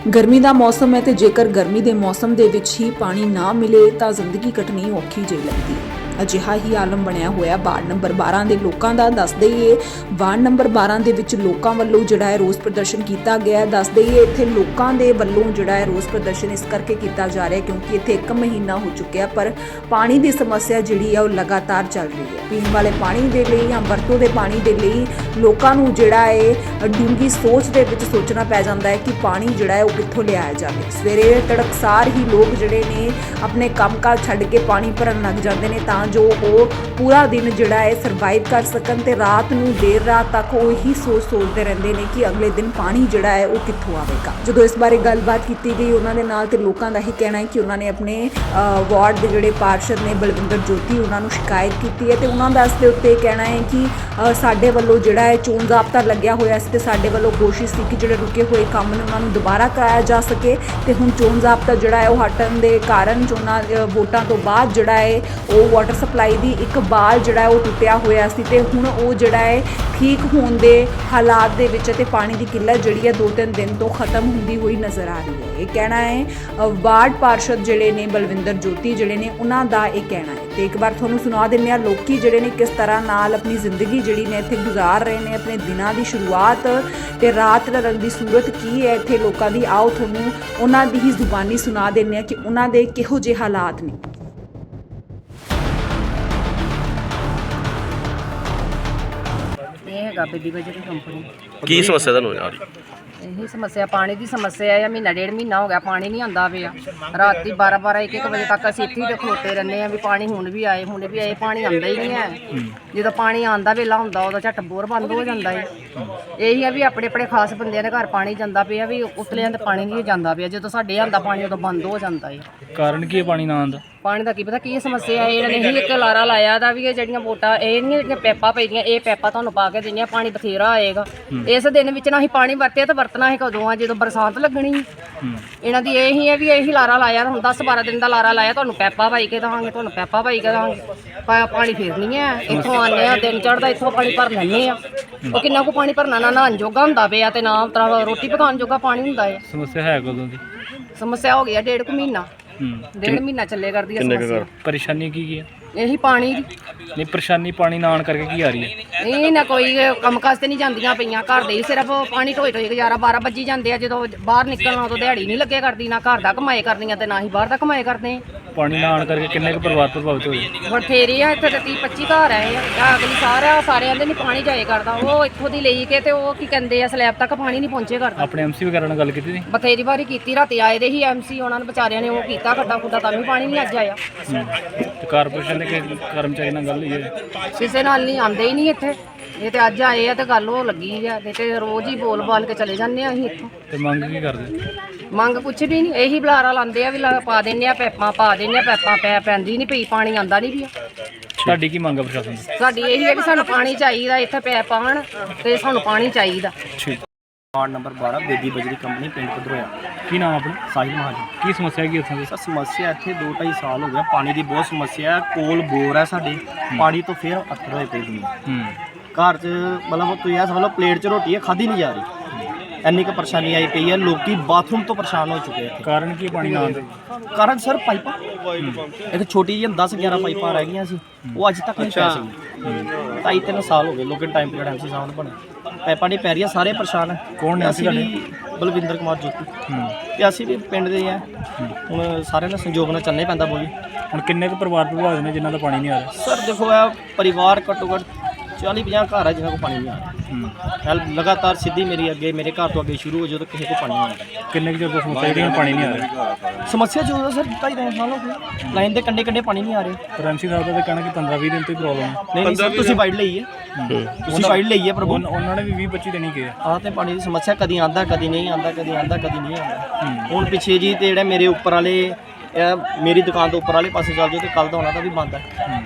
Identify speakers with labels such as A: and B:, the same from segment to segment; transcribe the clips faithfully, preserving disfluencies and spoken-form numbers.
A: ਗਰਮੀ ਦਾ ਮੌਸਮ ਹੈ ਤੇ ਜੇਕਰ ਗਰਮੀ ਦੇ ਮੌਸਮ ਦੇ ਵਿੱਚ ਹੀ ਪਾਣੀ ਨਾ ਮਿਲੇ ਤਾਂ ਜ਼ਿੰਦਗੀ ਕੱਟਣੀ ਔਖੀ ਜਿਹੀ ਲੱਗਦੀ ਹੈ। ਅਜਿਹਾ ਹੀ ਆਲਮ ਬਣਿਆ ਹੋਇਆ ਵਾਰਡ ਨੰਬਰ ਬਾਰਾਂ ਦੇ ਲੋਕਾਂ ਦਾ। ਦੱਸ ਦਈਏ ਵਾਰਡ ਨੰਬਰ ਬਾਰਾਂ ਦੇ ਵਿੱਚ ਲੋਕਾਂ ਵੱਲੋਂ ਜਿਹੜਾ ਹੈ ਰੋਸ ਪ੍ਰਦਰਸ਼ਨ ਕੀਤਾ ਗਿਆ। ਦੱਸ ਦਈਏ ਇੱਥੇ ਲੋਕਾਂ ਦੇ ਵੱਲੋਂ ਜਿਹੜਾ ਹੈ ਰੋਸ ਪ੍ਰਦਰਸ਼ਨ ਇਸ ਕਰਕੇ ਕੀਤਾ ਜਾ ਰਿਹਾ ਕਿਉਂਕਿ ਇੱਥੇ ਇੱਕ ਮਹੀਨਾ ਹੋ ਚੁੱਕਿਆ ਪਰ ਪਾਣੀ ਦੀ ਸਮੱਸਿਆ ਜਿਹੜੀ ਹੈ ਉਹ ਲਗਾਤਾਰ ਚੱਲ ਰਹੀ ਹੈ। ਪੀਣ ਵਾਲੇ ਪਾਣੀ ਦੇ ਲਈ ਜਾਂ ਵਰਤੋਂ ਦੇ ਪਾਣੀ ਦੇ ਲਈ ਲੋਕਾਂ ਨੂੰ ਜਿਹੜਾ ਹੈ ਡੂੰਘੀ ਸੋਚ ਦੇ ਵਿੱਚ ਸੋਚਣਾ ਪੈ ਜਾਂਦਾ ਹੈ ਕਿ ਪਾਣੀ ਜਿਹੜਾ ਹੈ ਉਹ ਕਿੱਥੋਂ ਲਿਆਇਆ ਜਾਵੇ। ਸਵੇਰੇ ਤੜਕਸਾਰ ਹੀ ਲੋਕ ਜਿਹੜੇ ਨੇ ਆਪਣੇ ਕੰਮਕਾਜ ਛੱਡ ਕੇ ਪਾਣੀ ਭਰਨ ਲੱਗ ਜਾਂਦੇ ਨੇ ਤਾਂ ਜੋ ਉਹ ਪੂਰਾ ਦਿਨ ਜਿਹੜਾ ਹੈ ਸਰਵਾਈਵ ਕਰ ਸਕਣ ਤੇ ਰਾਤ ਨੂੰ ਦੇਰ ਰਾਤ ਤੱਕ ਉਹ ਇਹੀ ਸੋਚ ਸੋਚਦੇ ਰਹਿੰਦੇ ਨੇ ਕਿ ਅਗਲੇ ਦਿਨ ਪਾਣੀ ਜਿਹੜਾ ਹੈ ਉਹ ਕਿੱਥੋਂ ਆਵੇਗਾ। ਜਦੋਂ ਇਸ ਬਾਰੇ ਗੱਲਬਾਤ ਕੀਤੀ ਗਈ ਉਹਨਾਂ ਦੇ ਨਾਲ ਤੇ ਲੋਕਾਂ ਦਾ ਹੀ ਕਹਿਣਾ ਹੈ ਕਿ ਉਹਨਾਂ ਨੇ ਆਪਣੇ ਵਾਰਡ ਦੇ ਜਿਹੜੇ ਪਾਰਸ਼ਦ ਨੇ ਬਲਵਿੰਦਰ ਜੋਤੀ ਉਹਨਾਂ ਨੂੰ ਸ਼ਿਕਾਇਤ ਕੀਤੀ ਹੈ ਤੇ ਉਹਨਾਂ ਦਾ ਇਸ ਦੇ ਉੱਤੇ ਕਹਿਣਾ ਹੈ ਕਿ ਸਾਡੇ ਵੱਲੋਂ ਜਿਹੜਾ ਹੈ ਚੋਣ ਜ਼ਾਬਤਾ ਲੱਗਿਆ ਹੋਇਆ ਸੀ ਤੇ ਸਾਡੇ ਵੱਲੋਂ ਕੋਸ਼ਿਸ਼ ਸੀ ਕਿ ਜਿਹੜੇ ਰੁਕੇ ਹੋਏ ਕੰਮ ਨੇ ਉਹਨਾਂ ਨੂੰ ਦੁਬਾਰਾ ਕਰਾਇਆ ਜਾ ਸਕੇ ਤੇ ਹੁਣ ਚੋਣ ਜ਼ਾਬਤਾ ਜਿਹੜਾ ਹੈ ਉਹ ਹਟਣ ਦੇ ਕਾਰਨ ਚੋਣਾਂ ਵੋਟਾਂ ਤੋਂ ਬਾਅਦ ਜਿਹੜਾ ਹੈ ਉਹ ਵਾਟਰ ਸਪਲਾਈ ਦੀ ਇੱਕ ਬਾਲ ਜਿਹੜਾ ਹੈ ਉਹ ਟੁੱਟਿਆ ਹੋਇਆ ਸੀ ਤੇ ਹੁਣ ਉਹ ਜਿਹੜਾ ਹੈ ਠੀਕ ਹੋਣ ਦੇ ਹਾਲਾਤ ਦੇ ਵਿੱਚ ਤੇ ਪਾਣੀ ਦੀ ਕਿੱਲਤ ਜਿਹੜੀ ਹੈ ਦੋ ਤਿੰਨ ਦਿਨ ਤੋਂ ਖਤਮ ਹੁੰਦੀ ਹੋਈ ਨਜ਼ਰ ਆ ਰਹੀ ਹੈ। ਇਹ ਕਹਿਣਾ ਹੈ ਵਾਰਡ ਪਾਰਸ਼ਦ ਜਿਹੜੇ ਨੇ ਬਲਵਿੰਦਰ ਜੋਤੀ ਜਿਹੜੇ ਨੇ ਉਹਨਾਂ ਦਾ ਇਹ ਕਹਿਣਾ ਹੈ ਤੇ ਇੱਕ ਵਾਰ ਤੁਹਾਨੂੰ ਸੁਣਾ ਦਿੰਦੇ ਹਾਂ ਲੋਕੀ ਜਿਹੜੇ ਨੇ ਕਿਸ ਤਰ੍ਹਾਂ ਨਾਲ ਆਪਣੀ ਜ਼ਿੰਦਗੀ ਜਿਹੜੀ ਨੇ ਇੱਥੇ ਗੁਜ਼ਾਰ ਰਹੇ ਨੇ, ਆਪਣੇ ਦਿਨਾਂ ਦੀ ਸ਼ੁਰੂਆਤ ਤੇ ਰਾਤ ਰੰਗ ਦੀ ਸੂਰਤ ਕੀ ਹੈ ਇੱਥੇ ਲੋਕਾਂ ਦੀ। ਆਓ ਤੁਹਾਨੂੰ ਉਹਨਾਂ ਦੀ ਹੀ ਜ਼ੁਬਾਨੀ ਸੁਣਾ ਦਿੰਦੇ ਹਾਂ ਕਿ ਉਹਨਾਂ ਦੇ ਕਿਹੋ ਜਿਹੇ ਹਾਲਾਤ ਨੇ।
B: ਹੈਗਾ ਬੇਦੀ ਬਜਰੀ ਕੰਪਨੀ।
C: ਕੀ ਸਮੱਸਿਆ ਤੁਹਾਨੂੰ ਆ ਰਹੀ?
B: ਇਹੀ ਸਮੱਸਿਆ ਪਾਣੀ ਦੀ ਸਮੱਸਿਆ ਹੈ। ਮਹੀਨਾ ਡੇਢ ਮਹੀਨਾ ਹੋ ਗਿਆ ਪਾਣੀ ਨਹੀਂ ਆਉਂਦਾ ਪਿਆ। ਰਾਤੀ ਬਾਰਾਂ ਬਾਰਾਂ ਇੱਕ ਇੱਕ ਵਜੇ ਤੱਕ ਅਸੀਂ ਇੱਥੇ ਹੀ ਖਲੋਤੇ ਰਹਿੰਦੇ ਹਾਂ ਵੀ ਪਾਣੀ ਹੁਣ ਵੀ ਆਏ ਹੁਣ ਵੀ ਆਏ ਪਾਣੀ ਆਉਂਦਾ ਹੀ ਨਹੀਂ ਹੈ। ਜਦੋਂ ਪਾਣੀ ਆਉਂਦਾ ਵੇਲਾ ਹੁੰਦਾ ਉਦੋਂ ਝੱਟ ਬੋਰ ਬੰਦ ਹੋ ਜਾਂਦਾ ਹੈ। ਇਹੀ ਆ ਵੀ ਆਪਣੇ ਆਪਣੇ ਖਾਸ ਬੰਦਿਆਂ ਦੇ ਘਰ ਪਾਣੀ ਜਾਂਦਾ ਪਿਆ ਵੀ ਉਤਲਿਆਂ ਤੇ ਪਾਣੀ ਨਹੀਂ ਜਾਂਦਾ ਪਿਆ। ਜਦੋਂ ਸਾਡੇ ਆਉਂਦਾ ਪਾਣੀ ਉਦੋਂ ਬੰਦ ਹੋ ਜਾਂਦਾ ਹੈ।
D: ਕਾਰਨ ਕੀ ਹੈ ਪਾਣੀ ਨਾ ਆਉਣ ਦਾ?
B: ਪਾਣੀ ਦਾ ਕੀ ਪਤਾ ਕੀ ਸਮੱਸਿਆ ਹੈ। ਇਹਨਾਂ ਨੇ ਹੀ ਇੱਕ ਲਾਰਾ ਲਾਇਆ ਦਾ ਵੀ ਇਹ ਜਿਹੜੀਆਂ ਵੋਟਾਂ ਇਹ ਨਹੀਂ ਜਿਹੜੀਆਂ ਪੈਪਾਂ ਪਈਆਂ ਇਹ ਪੈਪਾਂ ਤੁਹਾਨੂੰ ਪਾ ਕੇ ਦਿੰਦੀਆਂ ਪਾਣੀ ਬਥੇਰਾ ਆਏਗਾ। ਇਸ ਦਿਨ ਵਿੱਚ ਨਾ ਅਸੀਂ ਪਾਣੀ ਵਰਤਿਆ ਤਾਂ ਵਰਤਣਾ ਹੈ ਕਦੋਂ ਆ ਜਦੋਂ ਬਰਸਾਤ ਲੱਗਣੀ। ਇਹਨਾਂ ਦੀ ਇਹੀ ਹੈ ਵੀ ਇਹੀ ਲਾਰਾ ਲਾਇਆ ਹੁਣ ਦਸ ਬਾਰਾਂ ਦਿਨ ਦਾ ਲਾਰਾ ਲਾਇਆ ਤੁਹਾਨੂੰ ਪੈਪਾਂ ਪਾਈ ਕੇ ਦੇਵਾਂਗੇ ਤੁਹਾਨੂੰ ਪੈਪਾਂ ਪਾਈ ਕੇ ਦੇਵਾਂਗੇ ਪਾਣੀ ਫਿਰ ਨਹੀਂ ਹੈ। ਇੱਥੋਂ ਆਉਂਦੇ ਆ ਦਿਨ ਚੜ੍ਹਦਾ ਇੱਥੋਂ ਪਾਣੀ ਭਰ ਲੈਂਦੇ ਆ। ਉਹ ਕਿੰਨਾ ਕੁ ਪਾਣੀ ਭਰਨਾ ਨਾ ਨਹਾਉਣ ਜੋਗਾ ਹੁੰਦਾ ਪਿਆ ਤੇ ਨਾ ਤਰ੍ਹਾਂ ਰੋਟੀ ਪਕਾਉਣ ਜੋਗਾ ਪਾਣੀ ਹੁੰਦਾ ਹੈ।
D: ਸਮੱਸਿਆ ਹੈ ਕਦੋਂ ਦੀ?
B: ਸਮੱਸਿਆ ਹੋ ਗਈ ਆ ਡੇਢ ਕੁ ਮਹੀਨਾ ਡੇਢ ਮਹੀਨਾ ਚੱਲੇ ਕਰਦੀ ਹੈ ਸਮੱਸਿਆ।
D: ਪਰੇਸ਼ਾਨੀ ਕੀ ਕੀ ਹੈ?
B: ਇਹੀ ਪਾਣੀ ਦੀ।
D: ਨਹੀਂ ਪਰੇਸ਼ਾਨੀ ਪਾਣੀ ਨਾ ਆਉਣ ਕਰਕੇ ਕੀ ਆ ਰਹੀ ਹੈ?
B: ਇਹ ਨਾ ਕੋਈ ਕੰਮ ਕਾਜ ਤੇ ਨਹੀਂ ਜਾਂਦੀਆਂ ਪਈਆਂ ਘਰ ਦੇ ਹੀ ਸਿਰਫ ਪਾਣੀ ਢੋਈ ਢੋਈ ਗੁਜ਼ਾਰਾ ਬਾਰਾਂ ਵੱਜੀ ਜਾਂਦੇ ਆ। ਜਦੋਂ ਬਾਹਰ ਨਿਕਲਣਾ ਉਦੋਂ ਦਿਹਾੜੀ ਨਹੀਂ ਲੱਗੇ ਕਰਦੀ ਨਾ ਘਰ ਦਾ ਕਮਾਏ ਕਰਦੀਆਂ ਤੇ ਨਾ ਹੀ ਬਾਹਰ ਦਾ ਕਮਾਏ ਕਰਦੇ ਆ।
D: ਪਾਣੀ ਨਾ ਆਉਣ ਕਰਕੇ ਕਿੰਨੇ ਕੁ ਪਰਿਵਾਰ ਪ੍ਰਭਾਵਿਤ ਹੋਏ?
B: ਬਥੇਰੇ ਆ ਇੱਥੇ ਤੇ ਤੀਹ ਪੱਚੀ ਘਰ ਆਏ ਆ। ਅਗਲੀ ਸਾਰਾ ਸਾਰਿਆਂ ਦੇ ਨਹੀਂ ਪਾਣੀ ਜਾਏ ਕਰਦਾ। ਉਹ ਇੱਥੋਂ ਦੀ ਲਈ ਕੇ ਤੇ ਉਹ ਕੀ ਕਹਿੰਦੇ ਆ ਸਲੈਬ ਤੱਕ ਪਾਣੀ ਨਹੀਂ ਪਹੁੰਚੇ ਕਰਦਾ।
D: ਆਪਣੇ ਐਮਸੀ ਵਗੈਰਾ ਨਾਲ ਗੱਲ ਕੀਤੀ ਸੀ?
B: ਬਥੇਰੀ ਵਾਰੀ ਕੀਤੀ। ਰਾਤੀ ਆਏ ਦੇ ਹੀ ਐਮਸੀ ਉਹਨਾਂ ਨੇ ਵਿਚਾਰਿਆਂ ਨੇ ਉਹ ਕੀਤਾ ਖੱਡਾ ਖੁੱਡਾ ਤਾਂ ਵੀ ਪਾਣੀ ਨਹੀਂ ਅੱਜ ਆਇਆ।
D: ਤੇ ਕਾਰਪੋਰੇਸ਼ਨ ਦੇ ਕਰਮਚਾਰੀ ਨਾਲ ਗੱਲ ਹੋਈ ਹੈ?
B: ਕਿਸੇ ਨਾਲ ਨਹੀਂ ਆਉਂਦੇ ਹੀ ਨਹੀਂ ਇੱਥੇ। ਇਹ ਤੇ ਅੱਜ ਆਏ ਆ ਤੇ ਗੱਲ ਉਹ ਲੱਗੀ ਆ ਨਹੀਂ ਤੇ ਰੋਜ਼ ਹੀ ਬੋਲ ਬਾਲ ਕੇ ਚਲੇ ਜਾਂਦੇ ਆ ਅਸੀਂ ਇੱਥੋਂ।
D: ਤੇ ਮੰਗ ਕੀ ਕਰਦੇ?
B: ਮੰਗ ਕੁਛ ਵੀ ਨਹੀਂ ਇਹੀ ਬੁਲਾਰਾ ਲਾਉਂਦੇ ਆ ਵੀ ਪਾ ਦਿੰਦੇ ਆ ਪੈਪਾਂ ਪਾ ਦਿੰਦੇ ਆ ਪੈਪਾਂ ਪੈ ਪੈਂਦੀ ਨਹੀਂ ਪਈ ਪਾਣੀ ਆਉਂਦਾ ਨਹੀਂ ਪਿਆ।
D: ਤੁਹਾਡੀ ਕੀ ਮੰਗ ਹੈ ਪ੍ਰਸ਼ਾਸਨ ਦੀ?
B: ਸਾਡੀ ਇਹੀ ਹੈ ਵੀ ਸਾਨੂੰ ਪਾਣੀ ਚਾਹੀਦਾ ਇੱਥੇ ਪੈਪ ਪਾਉਣ ਤੇ ਸਾਨੂੰ ਪਾਣੀ ਚਾਹੀਦਾ।
D: ਠੀਕ।
E: ਵਾਰਡ ਨੰਬਰ ਬਾਰਾਂ ਬੇਦੀ ਬਜਰੀ ਕੰਪਨੀ ਪਿੰਡ ਕਦਰੋਇਆ।
D: ਕੀ ਨਾਮ ਆਪਣਾ?
E: ਸਾਹਿਲ ਮਹਾਜਨ।
D: ਕੀ ਸਮੱਸਿਆ ਕੀ ਉੱਥੋਂ ਦੀ?
E: ਸਰ ਸਮੱਸਿਆ ਇੱਥੇ ਦੋ ਢਾਈ ਸਾਲ ਹੋ ਗਿਆ ਪਾਣੀ ਦੀ ਬਹੁਤ ਸਮੱਸਿਆ ਹੈ। ਕੋਲ ਬੋਰ ਹੈ ਸਾਡੇ ਪਾਣੀ ਤੋਂ ਫਿਰ ਅੱਥਰ ਹੋਏ ਪਏ ਦੁਨੀਆ।
D: ਹੂੰ
E: ਘਰ 'ਚ ਮਤਲਬ ਤੁਸੀਂ ਇਹ ਸਮਝ ਲਓ ਪਲੇਟ 'ਚ ਰੋਟੀ ਹੈ ਖਾਧੀ ਨਹੀਂ ਜਾ ਰਹੀ ਇੰਨੀ ਕੁ ਪਰੇਸ਼ਾਨੀ ਆਈ ਪਈ ਹੈ। ਲੋਕੀ ਬਾਥਰੂਮ ਤੋਂ ਪਰੇਸ਼ਾਨ ਹੋ ਚੁੱਕੇ ਇੱਥੇ।
D: ਕਾਰਨ ਕੀ ਪਾਣੀ ਨਾ ਆਉਣ ਦਾ?
E: ਕਾਰਨ ਸਰ ਪਾਈਪਾਂ ਇੱਕ ਛੋਟੀ ਜਿਹੀ ਦਸ ਗਿਆਰਾਂ ਪਾਈਪਾਂ ਰਹਿ ਗਈਆਂ ਸੀ ਉਹ ਅੱਜ ਤੱਕ ਨਹੀਂ ਪੈ ਸਕੀਆਂ। ਢਾਈ ਤਿੰਨ ਸਾਲ ਹੋ ਗਏ ਲੋਕਲ ਟਾਈਮ ਪੀਰੀਅਡ ਐਮਸੀ ਸਾਹਿਬ ਨੂੰ ਬਣੇ ਪਾਈਪਾਂ ਨਹੀਂ ਪੈ ਰਹੀਆਂ ਸਾਰੇ ਪਰੇਸ਼ਾਨ ਹੈ।
D: ਕੌਣ ਨੇ?
E: ਅਸੀਂ ਵੀ ਬਲਵਿੰਦਰ ਕੁਮਾਰ ਜੋਤੀ ਤੇ ਅਸੀਂ ਵੀ ਪਿੰਡ ਦੇ ਆ। ਹੁਣ ਸਾਰਿਆਂ ਨਾਲ ਸੰਯੋਗ ਨਾਲ ਚੱਲਣਾ ਪੈਂਦਾ ਬੋਲੀ।
D: ਹੁਣ ਕਿੰਨੇ ਕੁ ਪਰਿਵਾਰ ਪ੍ਰਭਾਵਿਤ ਨੇ ਜਿਨ੍ਹਾਂ ਦਾ ਪਾਣੀ ਨਹੀਂ ਆ ਰਿਹਾ?
E: ਸਰ ਦੇਖੋ ਇਹ ਪਰਿਵਾਰ ਘੱਟੋ ਘੱਟ ਚਾਲੀ ਪੰਜਾਹ ਘਰ ਹੈ ਜਿਨ੍ਹਾਂ ਕੋਲ ਪਾਣੀ ਨਹੀਂ ਆ ਰਿਹਾ। ਲਗਾਤਾਰ ਸਿੱਧੀ ਮੇਰੀ ਅੱਗੇ ਮੇਰੇ ਘਰ ਤੋਂ ਅੱਗੇ ਸ਼ੁਰੂ ਹੋ ਜਦੋਂ ਕਿਸੇ ਕੋਲ ਪਾਣੀ ਨਹੀਂ ਆਉਂਦਾ।
D: ਕਿੰਨੇ ਕੁ ਚਿਰ ਤੋਂ ਸਮੱਸਿਆ ਜਿਹੜੀ ਪਾਣੀ ਨਹੀਂ ਆ ਰਿਹਾ?
E: ਸਮੱਸਿਆ ਜੋ ਹੈ ਸਰ ਢਾਈ ਤਿੰਨ ਸਾਲ ਹੋ ਗਏ ਲਾਈਨ ਦੇ ਕੰਢੇ ਕੰਢੇ ਪਾਣੀ ਨਹੀਂ ਆ ਰਿਹਾ।
D: ਪਰ ਐਮਸੀ ਸਾਹਿਬ ਦਾ ਤਾਂ ਕਹਿਣਾ ਕਿ ਪੰਦਰਾਂ ਵੀਹ ਦਿਨ ਤੋਂ ਹੀ ਪ੍ਰੋਬਲਮ ਹੈ।
E: ਨਹੀਂ ਨਹੀਂ ਸਰ ਤੁਸੀਂ ਵਾਈਡ ਲਈ ਹੈ ਤੁਸੀਂ ਵਾਈਡ ਲਈ ਹੈ ਪ੍ਰਭੂ।
D: ਉਹਨਾਂ ਨੇ ਵੀ ਵੀਹ ਪੱਚੀ ਦਿਨ ਹੀ ਕਿਹਾ
E: ਆਹ ਤੇ ਪਾਣੀ ਦੀ ਸਮੱਸਿਆ ਕਦੀ ਆਉਂਦਾ ਕਦੀ ਨਹੀਂ ਆਉਂਦਾ ਕਦੀ ਆਉਂਦਾ ਕਦੀ ਨਹੀਂ ਆਉਂਦਾ। ਹੁਣ ਪਿੱਛੇ ਜੀ ਤੇ ਜਿਹੜੇ ਮੇਰੇ ਉੱਪਰ ਵਾਲੇ ਮੇਰੀ ਦੁਕਾਨ ਤੋਂ ਉੱਪਰ ਵਾਲੇ ਪਾਸੇ ਚੱਲ ਜਾਓ ਤੇ ਕੱਲ ਦਾ ਉਹਨਾਂ ਦਾ ਵੀ ਬੰਦ ਹੈ।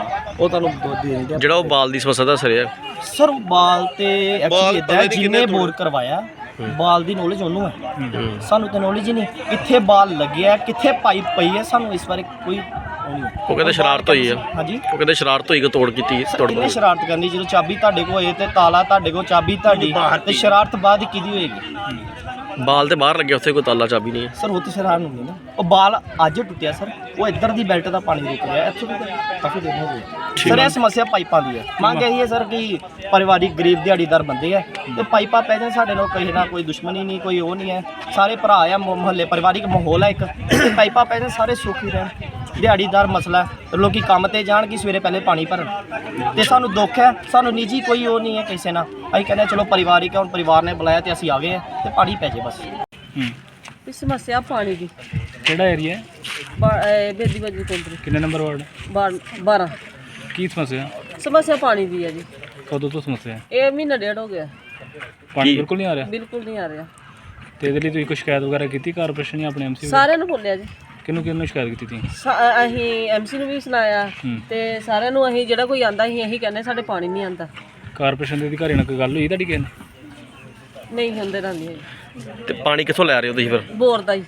E: ਉਹ ਤੁਹਾਨੂੰ ਦੁੱਧ ਦੇ ਦਿੰਦੇ
C: ਜਿਹੜਾ ਉਹ ਬਾਲ ਦੀ ਸਮੱਸਿਆ ਦੱਸ ਰਿਹਾ
E: ਸਰ ਬਾਲ ਤੇ ਐਕਚੁਅਲੀ ਇਦਾਂ ਜਿਹਨੇ ਬੋਰ ਕਰਵਾਇਆ ਬਾਲ ਦੀ ਨੌਲੇਜ ਉਹਨੂੰ ਹੈ ਸਾਨੂੰ ਤਾਂ ਨੌਲੇਜ ਹੀ ਨਹੀਂ। ਇੱਥੇ ਬਾਲ ਲੱਗਿਆ ਕਿੱਥੇ ਪਾਈਪ ਪਈ ਹੈ ਸਾਨੂੰ ਇਸ ਬਾਰੇ ਕੋਈ
C: ਉਹ ਕਹਿੰਦੇ ਸ਼ਰਾਰਤ ਹੋਈ ਆ।
E: ਹਾਂਜੀ
C: ਉਹ ਕਹਿੰਦੇ ਸ਼ਰਾਰਤ ਹੋਈ ਕਿ ਤੋੜ ਕੀਤੀ ਤੋੜ
E: ਕਿੰਨੇ ਸ਼ਰਾਰਤ ਕਰਨੀ ਜਦੋਂ ਚਾਬੀ ਤੁਹਾਡੇ ਕੋਲ ਹੋਏ ਤੇ ਤਾਲਾ ਤੁਹਾਡੇ ਕੋਲ ਚਾਬੀ ਤੁਹਾਡੀ ਤੇ ਸ਼ਰਾਰਤ ਬਾਅਦ ਕਿਹਦੀ ਹੋਏਗੀ?
C: ਬਾਲ ਤੇ ਬਾਹਰ ਲੱਗਿਆ, ਉੱਥੇ ਕੋਈ ਤਾਲਾ ਚਾਬੀ ਨਹੀਂ ਹੈ।
E: ਸਰ ਉਹ ਤੇ ਸ਼ਰਾਰ ਨੂੰ ਨਹੀਂ ਨਾ, ਉਹ ਬਾਲ ਅੱਜ ਟੁੱਟਿਆ ਸਰ, ਉਹ ਇੱਧਰ ਦੀ ਬੈਲਟ ਦਾ ਪਾਣੀ ਰੁਕ ਰਿਹਾ, ਇੱਥੋਂ ਵੀ ਤਾਂ ਕਾਫੀ ਦਿਨ ਹੋ ਗਏ ਸਰ। ਇਹ ਸਮੱਸਿਆ ਪਾਈਪਾਂ ਦੀ ਹੈ। ਮੰਗ ਇਹੀ ਹੈ ਸਰ ਕਿ ਪਰਿਵਾਰਿਕ ਗਰੀਬ ਦਿਹਾੜੀਦਾਰ ਬੰਦੇ ਆ ਤੇ ਪਾਈਪਾਂ ਪੈ ਜਾਣ, ਸਾਡੇ ਨਾਲ ਕਿਸੇ ਨਾਲ ਕੋਈ ਦੁਸ਼ਮਣੀ ਨਹੀਂ, ਕੋਈ ਉਹ ਨਹੀਂ ਹੈ, ਸਾਰੇ ਭਰਾ ਆ, ਮੁਹੱਲੇ ਪਰਿਵਾਰਿਕ ਮਾਹੌਲ ਹੈ ਇੱਕ, ਤੇ ਪਾਈਪਾਂ ਪੈ ਜਾਣ ਸਾਰੇ ਸੁਖੀ ਰਹਿਣ। ਦਿਹਾੜੀਦਾਰ ਮਸਲਾ ਹੈ, ਲੋਕੀ ਕੰਮ ਤੇ ਜਾਣ ਕਿ ਸਵੇਰੇ ਪਹਿਲੇ ਪਾਣੀ ਭਰਨ, ਤੇ ਸਾਨੂੰ ਦੁੱਖ ਹੈ, ਸਾਨੂੰ ਨਿੱਜੀ ਕੋਈ ਉਹ ਨਹੀਂ ਹੈ ਕਿਸੇ ਨਾਲ। ਅਸੀਂ ਕਹਿੰਦੇ ਚਲੋ ਪਰਿਵਾਰਿਕ ਹੈ, ਹੁਣ ਪਰਿਵਾਰ ਨੇ ਬੁਲਾਇਆ ਤੇ ਅਸੀਂ ਆ ਗਏ ਆ ਤੇ ਪਾਣੀ ਪੈ ਜੇ ਬਸ।
D: ਹੂੰ
B: ਇਹ ਸਮੱਸਿਆ ਪਾਣੀ ਦੀ
D: ਕਿਹੜਾ ਏਰੀਆ ਹੈ?
B: ਬੇਦੀ ਬਾਜੀ ਕੋਲ
D: ਕਿੰਨੇ ਨੰਬਰ ਵਾਰਡ?
B: ਬਾਰਾਂ।
D: ਕੀ ਸਮੱਸਿਆ?
B: ਸਮੱਸਿਆ ਪਾਣੀ ਦੀ ਹੈ ਜੀ।
D: ਕਦੋਂ ਤੋਂ ਸਮੱਸਿਆ ਹੈ?
B: ਇਹ ਮਹੀਨਾ ਡੇਢ ਹੋ ਗਿਆ,
D: ਪਾਣੀ ਬਿਲਕੁਲ ਨਹੀਂ ਆ ਰਿਹਾ?
B: ਬਿਲਕੁਲ ਨਹੀਂ ਆ ਰਿਹਾ।
D: ਤੇ ਇਹਦੇ ਲਈ ਤੁਸੀਂ ਕੋਈ ਸ਼ਿਕਾਇਤ ਵਗੈਰਾ ਕੀਤੀ ਕਾਰਪੋਰੇਸ਼ਨ ਜਾਂ ਆਪਣੇ ਐਮਸੀ?
B: ਸਾਰਿਆਂ ਨੂੰ ਬੋਲਿਆ ਜੀ।
D: ਕਿਹਨੂੰ ਕਿਹਨੂੰ ਸ਼ਿਕਾਇਤ ਕੀਤੀ ਤੀ?
B: ਸਾ- ਅਸੀਂ ਐਮਸੀ ਨੂੰ ਵੀ ਸੁਣਾਇਆ
D: ਹੂੰ।
B: ਤੇ ਸਾਰਿਆਂ ਨੂੰ ਅਸੀਂ ਜਿਹੜਾ ਕੋਈ ਆਂਦਾ ਅਸੀਂ ਇਹੀ ਕਹਿੰਦੇ ਸਾਡੇ ਪਾਣੀ ਨਹੀਂ ਆਂਦਾ।
D: ਕਾਰਪੋਰੇਸ਼ਨ ਦੇ ਅਧਿਕਾਰੀ ਨਾਲ ਕੋਈ ਗੱਲ ਹੋਈ ਤੁਹਾਡੀ ਕਿਸੇ ਨਾਲ?
B: ਨਹੀਂ ਹੁੰਦੇ ਰਹਿੰਦੀ ਹੈ
C: ਤੇ ਪਾਣੀ ਕਿੱਥੋਂ ਲੈ ਰਹੇ ਹੋ ਤੁਸੀਂ ਫਿਰ?
B: ਬੋਰ ਦਾ ਹੀ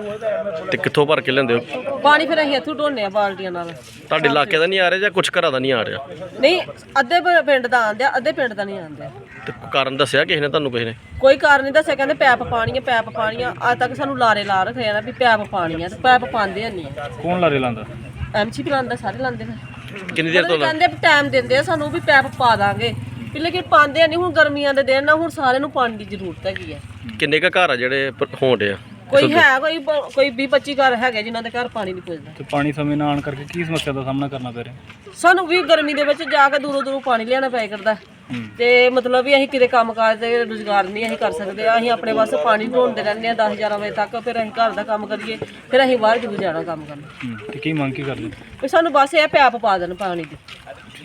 C: ਤੇ ਕਿੱਥੋਂ ਭਰ ਕੇ ਲੈਂਦੇ ਹੋ?
B: ਪਾਣੀ ਫਿਰ ਅਸੀਂ ਇੱਥੋਂ ਢੋਨੇ ਆ ਬਾਲਟੀਆਂ ਨਾਲ।
C: ਤੁਹਾਡੇ ਇਲਾਕੇ ਦਾ ਨਹੀਂ ਆ ਰਿਹਾ ਜਾਂ ਕੁਝ ਘਰਾਂ ਦਾ ਨਹੀਂ ਆ ਰਿਹਾ?
B: ਨਹੀਂ ਅੱਧੇ ਪ- ਪਿੰਡ ਦਾ ਆਂਦਿਆ, ਅੱਧੇ ਪਿੰਡ ਦਾ ਨਹੀਂ ਆਂਦਿਆ।
C: ਤੇ ਕਾਰਨ ਦੱਸਿਆ ਕਿਸੇ ਨੇ ਤੁਹਾਨੂੰ? ਕਿਸੇ ਨੇ?
B: ਕੋਈ ਕਾਰਨ ਨਹੀਂ ਦੱਸਿਆ, ਕਹਿੰਦੇ ਪੈਪ ਪਾਣੀ ਹੈ, ਪੈਪ ਪਾਣੀ ਆ। ਅੱਜ ਤੱਕ ਸਾਨੂੰ ਲਾਰੇ ਲਾ ਰੱਖੇ ਆ ਨਾ ਵੀ ਪੈਪ ਪਾਣੀ ਆ, ਤੇ ਪੈਪ ਪਾਉਂਦੇ ਨਹੀਂ।
D: ਕੌਣ ਲਾਰੇ ਲਾਉਂਦਾ?
B: ਐਮਸੀ ਵੀ ਲਾਉਂਦਾ, ਸਾਰੇ ਲਾਉਂਦੇ ਫਿਰ।
C: ਕਿੰਨੀ ਦੇਰ ਤੋਂ ਲਾ-
B: ਕਹਿੰਦੇ ਟਾਈਮ ਦਿੰਦੇ ਆ ਸਾਨੂੰ ਵੀ ਪੈਪ ਪਾ ਦਾਂਗੇ, ਵੀ ਲੇਕਿਨ ਪਾਉਂਦੇ ਨਹੀਂ। ਹੁਣ ਗਰਮੀਆਂ ਦੇ ਦਿਨ ਨਾ, ਹੁਣ ਸਾਰਿਆਂ ਨੂੰ ਪਾਣੀ ਦੀ ਜ਼ਰੂਰਤ ਹੈਗੀ ਹੈ।
C: ਕਿੰਨੇ ਕੁ ਘਰ ਆ ਜਿਹੜੇ ਹੋਣ ਡੇ ਆ?
B: ਕੋਈ ਹੈ ਕੋਈ ਬ- ਕੋਈ ਵੀਹ ਪੱਚੀ ਘਰ ਹੈਗੇ ਜਿਨ੍ਹਾਂ ਦੇ ਘਰ ਪਾਣੀ ਨਹੀਂ ਪੁੱਜਦਾ।
D: ਤੇ ਪਾਣੀ ਸਮੇਂ ਨਾ ਆਉਣ ਕਰਕੇ ਕੀ ਸਮੱਸਿਆ ਦਾ ਸਾਹਮਣਾ ਕਰਨਾ ਪੈ ਰਿਹਾ?
B: ਸਾਨੂੰ ਵੀ ਗਰਮੀ ਦੇ ਵਿੱਚ ਜਾ ਕੇ ਦੂਰੋਂ ਦੂਰੋਂ ਪਾਣੀ ਲਿਆਉਣਾ ਪਿਆ ਕਰਦਾ, ਤੇ ਮਤਲਬ ਵੀ ਅਸੀਂ ਕਿਤੇ ਕੰਮ ਕਾਜ ਤੇ ਰੁਜ਼ਗਾਰ ਨਹੀਂ ਅਸੀਂ ਕਰ ਸਕਦੇ। ਅਸੀਂ ਆਪਣੇ ਵਾਸਤੇ ਪਾਣੀ ਢੋਂਦੇ ਰਹਿੰਦੇ ਆ ਦਸ ਗਿਆਰਾਂ ਵਜੇ ਤੱਕ, ਫਿਰ ਅਸੀਂ ਘਰ ਦਾ ਕੰਮ ਕਰੀਏ, ਫਿਰ ਅਸੀਂ ਬਾਹਰ ਜ਼ਰੂਰ ਜਾਣਾ ਕੰਮ ਕਰਨ।
D: ਹੂੰ ਤੇ ਕੀ ਮੰਗ ਕੀ ਕਰਦੇ?
B: ਵੀ ਸਾਨੂੰ ਬਸ ਇਹ ਪੈਪ ਪਾ ਦੇਣ ਪਾਣੀ ਦੀ।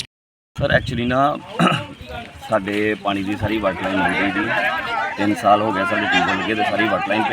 F: ਸਰ ਐਕਚੁਅਲੀ ਨਾ ਸਾਡੇ ਪਾਣੀ ਦੀ ਸਾਰੀ ਵਾਟਰ ਲਾਈਨ ਲੱਗੀ ਦੀ ਤਿੰਨ ਸਾਲ ਹੋ ਗਏ ਸਾਡੇ ਟਿਊਬਵੈੱਲ ਲੱਗੇ ਤੇ ਸਾਰੀ ਵਾਟਰ ਲਾਈਨ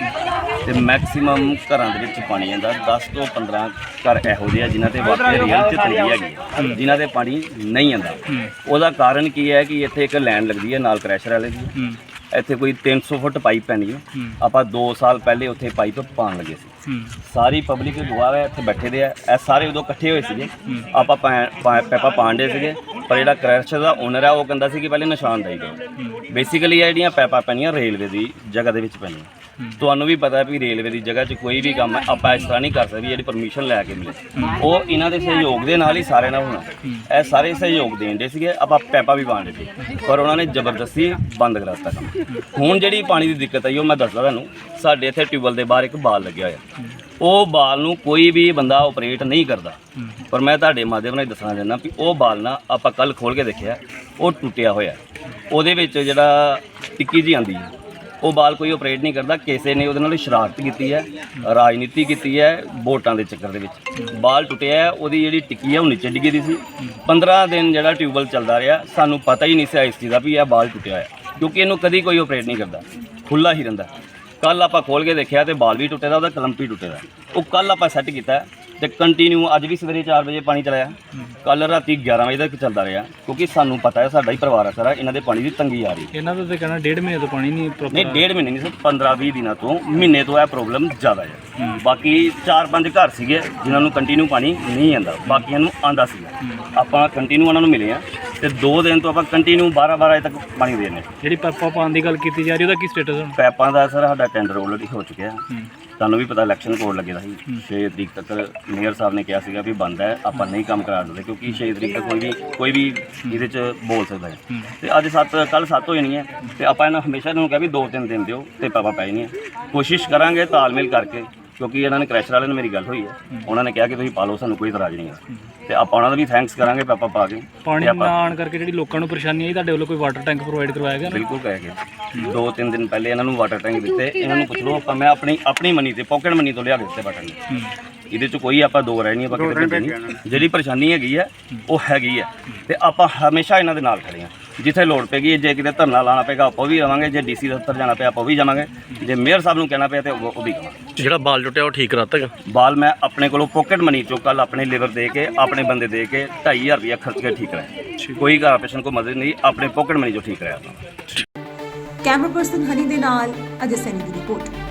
F: ਪਈ ਤੇ ਮੈਕਸਿਮਮ ਘਰਾਂ ਦੇ ਵਿੱਚ ਪਾਣੀ ਆਉਂਦਾ। ਦਸ ਤੋਂ ਪੰਦਰਾਂ ਘਰ ਇਹੋ ਜਿਹੇ ਆ ਜਿਨ੍ਹਾਂ ਤੇ ਵਾਟਰ ਰੀਅਲ 'ਚ ਤੰਗੀ ਹੈਗੀ ਹੈ, ਜਿਨ੍ਹਾਂ ਤੇ ਪਾਣੀ ਨਹੀਂ ਆਉਂਦਾ। ਉਹਦਾ ਕਾਰਨ ਕੀ ਹੈ ਕਿ ਇੱਥੇ ਇੱਕ ਲਾਈਨ ਲੱਗਦੀ ਹੈ ਨਾਲ ਕ੍ਰੈਸ਼ਰ ਵਾਲੇ ਦੀ, ਇੱਥੇ ਕੋਈ ਤਿੰਨ ਸੌ ਫੁੱਟ ਪਾਈਪ ਪੈਣੀ ਹੈ। ਆਪਾਂ ਦੋ ਸਾਲ ਪਹਿਲੇ ਉੱਥੇ ਪਾਈਪ ਪਾਉਣ ਲੱਗੇ ਸੀ। ਸਾਰੀ ਪਬਲਿਕ ਗਵਾਹ ਹੈ, ਇੱਥੇ ਬੈਠੇ ਦੇ ਆ, ਇਹ ਸਾਰੇ ਉਦੋਂ ਇਕੱਠੇ ਹੋਏ ਸੀਗੇ। ਆਪਾਂ ਪੈਪਾ ਪਾਉਂਦੇ ਸੀਗੇ, ਪਰ ਜਿਹੜਾ ਕ੍ਰੈਸ਼ਰ ਦਾ ਓਨਰ ਹੈ ਉਹ ਕਹਿੰਦਾ ਸੀ ਕਿ ਪਹਿਲੇ ਨਿਸ਼ਾਨਦਾਈ ਦਿਓ। ਬੇਸਿਕਲੀ ਇਹ ਜਿਹੜੀਆਂ ਪੈਪਾ ਪੈਣੀਆਂ ਰੇਲਵੇ ਦੀ ਜਗ੍ਹਾ ਦੇ ਵਿੱਚ ਪੈਣੀਆਂ। ਤੁਹਾਨੂੰ ਵੀ ਪਤਾ ਵੀ ਰੇਲਵੇ ਦੀ ਜਗ੍ਹਾ 'ਚ ਕੋਈ ਵੀ ਕੰਮ ਆਪਾਂ ਇਸ ਤਰ੍ਹਾਂ ਨਹੀਂ ਕਰ ਸਕਦੇ ਜਿਹੜੀ ਪਰਮਿਸ਼ਨ ਲੈ ਕੇ ਮਿਲੇ। ਉਹ ਇਹਨਾਂ ਦੇ ਸਹਿਯੋਗ ਦੇ ਨਾਲ ਹੀ ਸਾਰੇ ਨਾਲ ਹੋਣਾ। ਇਹ ਸਾਰੇ ਸਹਿਯੋਗ ਦੇਣ ਦੇ ਸੀਗੇ, ਆਪਾਂ ਪੈਪਾ ਵੀ ਪਾਉਂਦੇ ਸੀ, ਪਰ ਉਹਨਾਂ ਨੇ ਜ਼ਬਰਦਸਤੀ ਬੰਦ ਕਰਾ ਦਿੱਤਾ ਕੰਮ। ਹੁਣ ਜਿਹੜੀ ਪਾਣੀ ਦੀ ਦਿੱਕਤ ਆਈ ਉਹ ਮੈਂ ਦੱਸਦਾ ਤੁਹਾਨੂੰ। ਸਾਡੇ ਇੱਥੇ ਟਿਊਬਵੈੱਲ ਦੇ ਬਾਹਰ ਇੱਕ ਬਾਲ ਲੱਗਿਆ ਹੋਇਆ, ਉਹ ਬਾਲ ਨੂੰ ਕੋਈ ਵੀ ਬੰਦਾ ਆਪਰੇਟ ਨਹੀਂ ਕਰਦਾ, ਪਰ ਮੈਂ ਤੁਹਾਡੇ ਮਾਧਿਅਮ ਨਾਲ ਦੱਸਣਾ ਚਾਹੁੰਦਾ ਵੀ ਉਹ ਬਾਲ ਨਾ ਆਪਾਂ ਕੱਲ ਖੋਲ੍ਹ ਕੇ ਦੇਖਿਆ, ਉਹ ਟੁੱਟਿਆ ਹੋਇਆ। ਉਹਦੇ ਵਿੱਚ ਜਿਹੜਾ ਟਿੱਕੀ ਜੀ ਆਉਂਦੀ ਹੈ ਉਹ ਬਾਲ ਕੋਈ ਆਪਰੇਟ ਨਹੀਂ ਕਰਦਾ। ਕਿਸੇ ਨੇ ਉਹਦੇ ਨਾਲ ਸ਼ਰਾਰਤ ਕੀਤੀ ਹੈ, ਰਾਜਨੀਤੀ ਕੀਤੀ ਹੈ ਵੋਟਾਂ ਦੇ ਚੱਕਰ ਦੇ ਵਿੱਚ। ਬਾਲ ਟੁੱਟਿਆ ਹੈ, ਉਹਦੀ ਜਿਹੜੀ ਟਿੱਕੀ ਹੈ ਉਹ ਨੀਚੇ ਡਿੱਗੀ ਦੀ ਸੀ। ਪੰਦਰਾਂ ਦਿਨ ਜਿਹੜਾ ਟਿਊਬਵੈੱਲ ਚੱਲਦਾ ਰਿਹਾ, ਸਾਨੂੰ ਪਤਾ ਹੀ ਨਹੀਂ ਸੀ ਇਸ ਚੀਜ਼ ਦਾ ਵੀ ਇਹ ਬਾਲ ਟੁੱਟਿਆ ਹੋਇਆ, ਕਿਉਂਕਿ ਇਹਨੂੰ ਕਦੀ ਕੋਈ ਆਪਰੇਟ ਨਹੀਂ ਕਰਦਾ, ਖੁੱਲ੍ਹਾ ਹੀ ਰਹਿੰਦਾ। ਕੱਲ ਆਪਾਂ ਖੋਲ੍ਹ ਕੇ ਦੇਖਿਆ ਤੇ ਬਾਲ ਵੀ ਟੁੱਟੇ ਦਾ, ਉਹਦਾ ਕਲੰਪ ਵੀ ਟੁੱਟੇ ਦਾ। ਉਹ ਕੱਲ ਆਪਾਂ ਸੈੱਟ ਕੀਤਾ ਤੇ ਕੰਟੀਨਿਊ ਅੱਜ ਵੀ ਸਵੇਰੇ ਚਾਰ ਵਜੇ ਪਾਣੀ ਚਲਾਇਆ, ਕੱਲ ਰਾਤੀ ਗਿਆਰਾਂ ਵਜੇ ਤੱਕ ਚੱਲਦਾ ਰਿਹਾ, ਕਿਉਂਕਿ ਸਾਨੂੰ ਪਤਾ ਹੈ ਸਾਡਾ ਹੀ ਪਰਿਵਾਰ ਹੈ ਸਾਰਾ, ਇਹਨਾਂ ਦੇ ਪਾਣੀ ਦੀ ਤੰਗੀ ਆ ਰਹੀ।
D: ਇਹਨਾਂ ਦਾ ਤਾਂ ਕਹਿਣਾ ਡੇਢ ਮਹੀਨੇ ਤੋਂ ਪਾਣੀ ਨਹੀਂ ਪ੍ਰੋਪਰ।
F: ਨਹੀਂ ਡੇਢ ਮਹੀਨੇ ਨਹੀਂ ਸਰ, ਪੰਦਰਾਂ ਵੀਹ ਦਿਨਾਂ ਤੋਂ ਮਹੀਨੇ ਤੋਂ ਇਹ ਪ੍ਰੋਬਲਮ ਜ਼ਿਆਦਾ ਹੈ। ਬਾਕੀ ਚਾਰ ਪੰਜ ਘਰ ਸੀਗੇ ਜਿਨ੍ਹਾਂ ਨੂੰ ਕੰਟੀਨਿਊ ਪਾਣੀ ਨਹੀਂ ਆਉਂਦਾ, ਬਾਕੀਆਂ ਨੂੰ ਆਉਂਦਾ ਸੀਗਾ। ਆਪਾਂ ਕੰਟੀਨਿਊ ਉਹਨਾਂ ਨੂੰ ਮਿਲੇ ਆ ਤੇ ਦੋ ਦਿਨ ਤੋਂ ਆਪਾਂ ਕੰਟੀਨਿਊ ਬਾਰਾਂ ਬਾਰਾਂ ਵਜੇ ਤੱਕ ਪਾਣੀ ਦੇ ਰਹੇ।
D: ਜਿਹੜੀ ਪੈਪਾ ਪਾਉਣ ਦੀ ਗੱਲ ਕੀਤੀ ਜਾ ਰਹੀ ਉਹਦਾ ਕੀ ਸਟੇਟਸ ਹੁਣ?
F: ਪੈਪਾਂ ਦਾ ਸਰ ਸਾਡਾ ਟੈਂਡਰ ਆਲਰੇਡੀ ਹੋ ਚੁੱਕਿਆ। ਤੁਹਾਨੂੰ ਵੀ ਪਤਾ ਇਲੈਕਸ਼ਨ ਕੋਡ ਲੱਗੇਦਾ ਸੀ, ਛੇ ਤਰੀਕ ਤੱਕ ਮੇਅਰ ਸਾਹਿਬ ਨੇ ਕਿਹਾ ਸੀਗਾ ਵੀ ਬੰਦ ਹੈ, ਆਪਾਂ ਨਹੀਂ ਕੰਮ ਕਰਾ ਸਕਦੇ, ਕਿਉਂਕਿ ਛੇ ਤਰੀਕ ਤੱਕ ਕੋਈ ਵੀ ਕੋਈ ਵੀ ਇਹਦੇ 'ਚ ਬੋਲ ਸਕਦਾ ਹੈ। ਤੇ ਅੱਜ ਸੱਤ ਕੱਲ੍ਹ ਸੱਤ ਹੋ ਜਾਣੀ ਹੈ ਤੇ ਆਪਾਂ ਇਹਨਾਂ ਹਮੇਸ਼ਾ ਇਹਨਾਂ ਨੂੰ ਕਿਹਾ ਵੀ ਦੋ ਤਿੰਨ ਦਿਨ ਦਿਓ ਤੇ ਪੈਪਾਂ ਪੈ ਜਾਣੀਆਂ। ਕੋਸ਼ਿਸ਼ ਕਰਾਂਗੇ ਤਾਲਮੇਲ ਕਰਕੇ, ਕਿਉਂਕਿ ਇਹਨਾਂ ਨੇ ਕ੍ਰੈਸ਼ਰ ਵਾਲਿਆਂ ਨਾਲ ਮੇਰੀ ਗੱਲ ਹੋਈ ਹੈ, ਉਹਨਾਂ ਨੇ ਕਿਹਾ ਕਿ ਤੁਸੀਂ ਪਾ ਲਓ, ਸਾਨੂੰ ਕੋਈ ਇਤਰਾਜ਼ ਨਹੀਂ ਹੈ। ਤੇ ਆਪਾਂ ਉਹਨਾਂ ਦਾ ਵੀ ਥੈਂਕਸ ਕਰਾਂਗੇ ਪੈਪਾ ਪਾ ਕੇ।
D: ਪਾਣੀ ਨਾ ਆਉਣ ਕਰਕੇ ਜਿਹੜੀ ਲੋਕਾਂ ਨੂੰ ਪਰੇਸ਼ਾਨੀ ਆਈ, ਤੁਹਾਡੇ ਵੱਲੋਂ ਕੋਈ ਵਾਟਰ ਟੈਂਕ ਪ੍ਰੋਵਾਈਡ ਕਰਵਾਇਆ ਗਿਆ?
F: ਬਿਲਕੁਲ ਕਹਿ ਕੇ ਦੋ ਤਿੰਨ ਦਿਨ ਪਹਿਲੇ ਇਹਨਾਂ ਨੂੰ ਵਾਟਰ ਟੈਂਕ ਦਿੱਤੇ। ਇਹਨਾਂ ਨੂੰ ਪੁੱਛ ਲਓ, ਆਪਾਂ ਮੈਂ ਆਪਣੀ ਆਪਣੀ ਮਨੀ ਤੇ ਪਾਕਟ ਮਨੀ ਤੋਂ ਲਿਆ ਕੇ ਦਿੱਤੇ ਵਾਟਰ ਟੈਂਕ। ਇਹਦੇ 'ਚ ਕੋਈ ਆਪਾਂ ਦੋ ਰਹਿ ਨਹੀਂ, ਆਪਾਂ ਕਿਤੇ ਭੇਜੇ ਨਹੀਂ। ਜਿਹੜੀ ਪਰੇਸ਼ਾਨੀ ਹੈਗੀ ਹੈ ਉਹ ਹੈਗੀ ਹੈ ਤੇ ਆਪਾਂ ਹਮੇਸ਼ਾ ਇਹਨਾਂ ਦੇ ਨਾਲ ਖੜੇ ਹਾਂ। ਜਿੱਥੇ ਲੋੜ ਪੈਗੀ, ਜੇ ਕਿਤੇ ਧਰਨਾ ਲਾਣਾ ਪਏਗਾ ਆਪਾਂ ਵੀ ਆਵਾਂਗੇ, ਜੇ ਡੀਸੀ ਦਫ਼ਤਰ ਜਾਣਾ ਪਿਆ ਆਪਾਂ ਵੀ ਜਾਵਾਂਗੇ, ਜੇ ਮੇਅਰ ਸਾਹਿਬ ਨੂੰ ਕਹਿਣਾ ਪਿਆ ਤੇ ਉਹ ਵੀ ਕਹਾਂਗੇ।
C: ਜਿਹੜਾ ਬਾਲ ਟੁੱਟਿਆ ਉਹ ਠੀਕ ਕਰਾਤਾ ਹੈਗਾ?
F: ਬਾਲ ਮੈਂ ਆਪਣੇ ਕੋਲੋਂ ਪਾਕਟ ਮਨੀ ਚੋਂ ਕੱਲ ਆਪਣੇ ਲੇਬਰ ਦੇ ਕੇ ਆਪਣੇ ਬੰਦੇ ਦੇ ਕੇ ਢਾਈ ਹਜ਼ਾਰ ਰੁਪਇਆ ਖਰਚ ਕੇ ਠੀਕ ਕਰਾਇਆ। ਕੋਈ ਕਾਰਪੋਰੇਸ਼ਨ ਕੋ ਮਦਦ ਨਹੀਂ, ਆਪਣੇ ਪਾਕਟ ਮਨੀ ਚੋਂ ਠੀਕ ਕਰਾਇਆ।
A: ਕੈਮਰਾ ਪਰਸਨ ਹਨੀ ਦੇ ਨਾਲ ਅਜੇ ਸੈਨੀ ਦੀ ਰਿਪੋਰਟ।